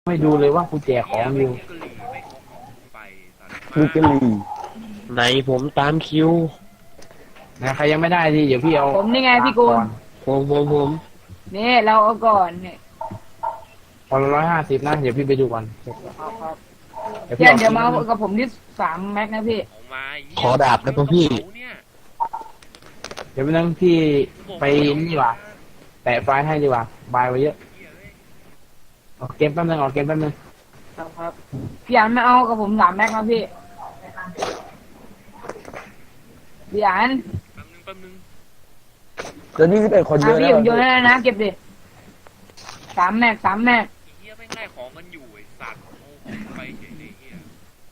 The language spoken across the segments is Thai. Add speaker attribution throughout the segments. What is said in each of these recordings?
Speaker 1: ไม่ดูเลยว่ากูแจกของอยู่
Speaker 2: ลูกกะลี
Speaker 3: ไหนผมตามคิว
Speaker 1: นะใครยังไม่ได้ดิเดี๋ยวพี่เอา
Speaker 4: ผมนี่ไงพี่กูล
Speaker 3: ผม
Speaker 4: นี่เราเอาก่อนเนี่ย
Speaker 1: พอ150นะเดี๋ยวพี่ไปดูก่อนเดี๋ยว
Speaker 4: เดี๋
Speaker 1: พี่
Speaker 4: ยว
Speaker 1: เอา
Speaker 4: เดี๋ยวมาเอากับผมที่3 แม็กนะพี่
Speaker 3: ขอดาบนะพี่
Speaker 1: เดี๋ยวไปนั่งพี่ไปนี่ดีกว่าแตะไฟล์ให้ดีกว่าบายไว้เยอะออกเกมแป๊บนึงออกเกมแป๊บนึง
Speaker 4: ครับพี่อันไม่เอากับผม3 แม็กนะพี่พี่อัน
Speaker 5: แป๊บนึง
Speaker 2: เดี๋ยวนี้11 คนเยอะ
Speaker 4: พี่
Speaker 2: แล้ว
Speaker 4: ผมโยนให้แล้วนะเก็บดิ3 แม็ก 3 แม็ก
Speaker 5: ไอ้เหี้ยไม่งไล่ของกันอยู่ไอ้สัตว์โอ้ไปเฉยเลยเหี้ย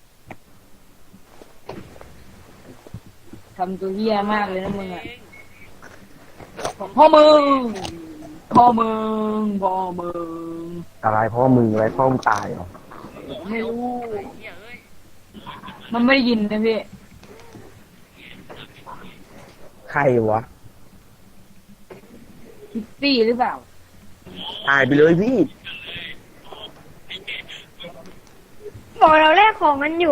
Speaker 4: ทำตัวเหี้ยมากเลยนะมึงอ่ะพ่อมึงพ่อมึงพ่อมึง
Speaker 2: อะไรพ่อมึงอะไรพ่อมึงตายเหรอ
Speaker 4: ไม่รู้
Speaker 5: ไอ้เหี้ยเอ้ย
Speaker 4: มันไม่ได้ยินนะพี่
Speaker 2: ใครวะ
Speaker 4: พิตตี้หรือเปล่า
Speaker 2: ตายไปเลยพี่
Speaker 6: บอกเราแลกของกันอยู่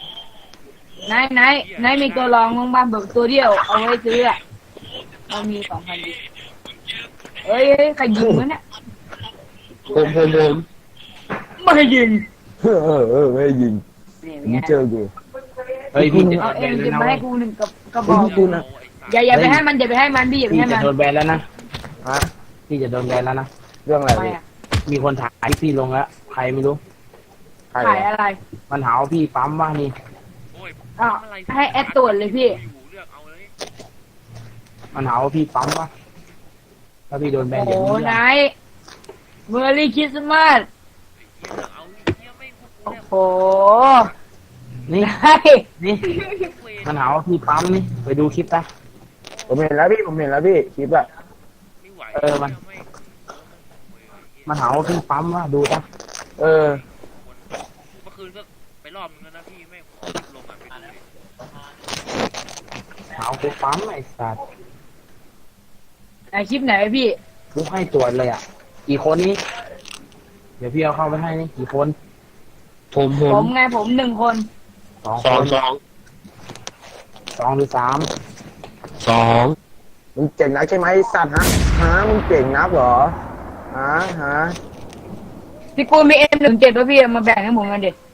Speaker 4: ไหนมีตัวรองบ้างบ้างเบิกตัวเดียวเอาไว้ซื้ออ่ะเรามี2,000ดิเอ้ยใครยิงวะเนี่ย
Speaker 3: ผม
Speaker 4: ไม่ให้ยิง
Speaker 2: ไม่ได้ยิง
Speaker 4: นี่
Speaker 2: มึง
Speaker 4: ไง
Speaker 2: เจอกู
Speaker 1: เฮ้ยพี่จะ
Speaker 4: เอา
Speaker 1: โดน
Speaker 4: เอ
Speaker 1: แบ
Speaker 4: ง
Speaker 1: นแล้ว
Speaker 4: จะ
Speaker 1: นะ
Speaker 4: มา
Speaker 1: เว้
Speaker 4: ให้
Speaker 1: ย
Speaker 4: กู1กระบอก
Speaker 2: พี่กูนะ
Speaker 4: อย่าไปให้มันอย่าไปให้มันพี่อย่าไป
Speaker 1: พี่
Speaker 4: ให้
Speaker 1: จะ
Speaker 4: มัน
Speaker 1: โดนแบนแล้วนะ
Speaker 2: ฮะ
Speaker 1: พี่จะโดนแบนแล้วนะ
Speaker 2: เรื่องอะไร
Speaker 4: ทำไม
Speaker 2: พี่
Speaker 4: อ่ะ
Speaker 1: มีคนถ่ายพี่ลงแล้วใครไม่รู้
Speaker 2: ใคร
Speaker 4: ขายว
Speaker 2: ะ
Speaker 4: อะไร
Speaker 1: มันหาว่าพี่ปั๊มว่านี่
Speaker 5: โอ้ย
Speaker 4: อ้าวให้แอดตรวจเลยพี่
Speaker 5: อยู่เลือกเอาเลย
Speaker 1: มันหาว่าพี่ปั๊มว่าถ้าพี่โดนแบน
Speaker 4: โอ้
Speaker 1: เดี๋ยว
Speaker 4: โห
Speaker 1: นี้
Speaker 4: นายเมอร์รี่คริสต์มาส
Speaker 5: ไอ้เหี้ยเลือกเอาไอ้เหี้ยไม่พวกกู
Speaker 4: โอ้
Speaker 5: เนี่ย
Speaker 4: โห
Speaker 1: นี่
Speaker 4: นาย
Speaker 1: นี่
Speaker 5: เวร
Speaker 1: มันหาว่าพี่ปั๊มนี่ไปดูคลิปนะ
Speaker 2: ผมเห็นแล้วพี่ผมเห็นแล้วพี่คลิปอะ
Speaker 5: ไม่ไหว
Speaker 1: มัน
Speaker 5: ไม่
Speaker 1: มันหาว่าพี่ปั๊มว่าดูนะ
Speaker 2: เออ
Speaker 5: เมื่อคืนก็ไปรอบนึงแล้วนะพี่ไม่ลงอ่ะไปดูดิ
Speaker 1: หาว่ากูปั๊มไอ้สัตว์
Speaker 4: นายคลิปไหนพี่
Speaker 1: กูให้ตรวจเลยอ่ะกี่คนนี้เดี๋ยวพี่เอาเข้าไปให้นี่กี่คน
Speaker 3: ผม
Speaker 4: ผมไงผม1 คน
Speaker 1: สอง
Speaker 3: ส
Speaker 1: ค
Speaker 3: อง
Speaker 1: น
Speaker 3: สอง
Speaker 1: 2 หรือ
Speaker 3: สอง
Speaker 2: มึงเจ๋งนักใช่ไหมไอ้สัตว์ฮะมึงเก่งนักเหรอฮะ
Speaker 4: พี่กูลมีM17ป่ะพี่เอามาแบ่งให้ผมกันดิ